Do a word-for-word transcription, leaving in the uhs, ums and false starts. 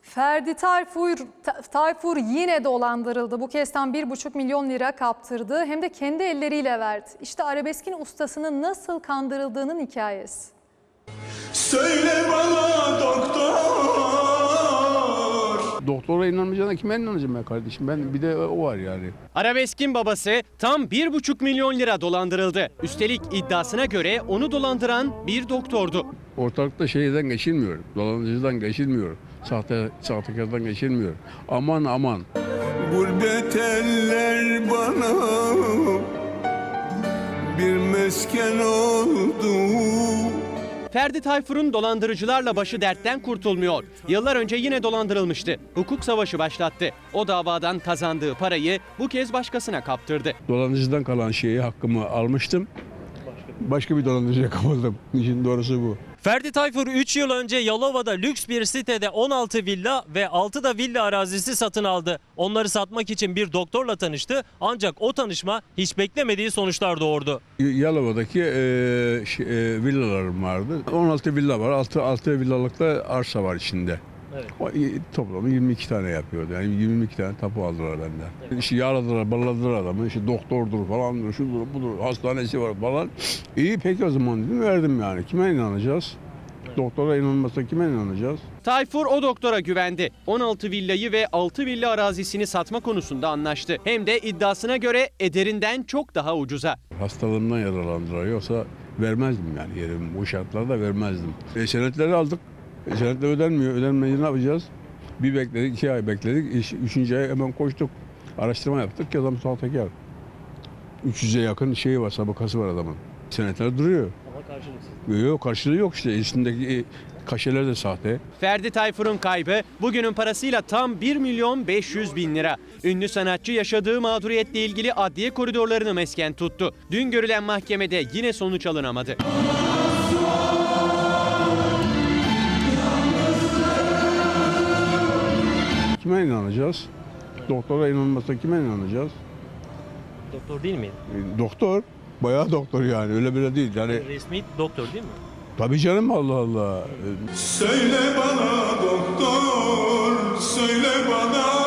Ferdi Tayfur, Tayfur yine dolandırıldı. Bu kez tam bir buçuk milyon lira kaptırdı. Hem de kendi elleriyle verdi. İşte arabeskin ustasının nasıl kandırıldığının hikayesi. Söyle bana doktor. Doktora inanmayacağına kime inanacağım ben kardeşim? Ben bir de o var yani. Arabeskin babası tam bir buçuk milyon lira dolandırıldı. Üstelik iddiasına göre onu dolandıran bir doktordu. Ortalıkta şeyden geçilmiyor. Dolandırıcıdan geçilmiyor. Sahte, sahtekardan geçilmiyor. Aman aman. Gurbet eller bana bir mesken oldu. Ferdi Tayfur'un dolandırıcılarla başı dertten kurtulmuyor. Yıllar önce yine dolandırılmıştı. Hukuk savaşı başlattı. O davadan kazandığı parayı bu kez başkasına kaptırdı. Dolandırıcıdan kalan şeyi hakkımı almıştım. Başka bir dolandırıcıya kapıldım. İşin doğrusu bu. Ferdi Tayfur üç yıl önce Yalova'da lüks bir sitede on altı villa ve altı da villa arazisi satın aldı. Onları satmak için bir doktorla tanıştı ancak o tanışma hiç beklemediği sonuçlar doğurdu. Yalova'daki e, şey, e, villalarım vardı. on altı villa var. altı, altı villalık da arsa var içinde. Evet. O, toplamda yirmi iki tane yapıyordu. Yani yirmi iki tane tapu aldılar benden. Evet. İşte yağladılar, balladılar adamı. İşte doktordur falan, şudur, budur, hastanesi var falan. İyi peki o zaman dedim, verdim yani. Kime inanacağız? Evet. Doktora inanmazsa kime inanacağız? Tayfur o doktora güvendi. on altı villayı ve altı villa arazisini satma konusunda anlaştı. Hem de iddiasına göre ederinden çok daha ucuza. Hastalığımdan yaralandılar. Yoksa vermezdim yani yerimi. Bu şartlarda vermezdim. E, senetleri aldık. E, senetler ödenmiyor. Ödenmeyince ne yapacağız? Bir bekledik, iki ay bekledik. Üçüncü ay hemen koştuk. Araştırma yaptık ki adam sahtekar. üç yüze yakın şeyi var, sabıkası var adamın. Senetler duruyor. Ama karşılıksız. Yok, karşılığı yok işte. Üstündeki kaşeler de sahte. Ferdi Tayfur'un kaybı bugünün parasıyla tam bir milyon beş yüz bin lira. Ünlü sanatçı yaşadığı mağduriyetle ilgili adliye koridorlarını mesken tuttu. Dün görülen mahkemede yine sonuç alınamadı. Kime inanacağız? Doktora inanmazsa kime inanacağız? Doktor değil miydi? E, doktor. Bayağı doktor yani. Öyle bile değil. Yani Resmi doktor değil mi? tabii canım, Allah Allah. Söyle bana doktor, söyle bana.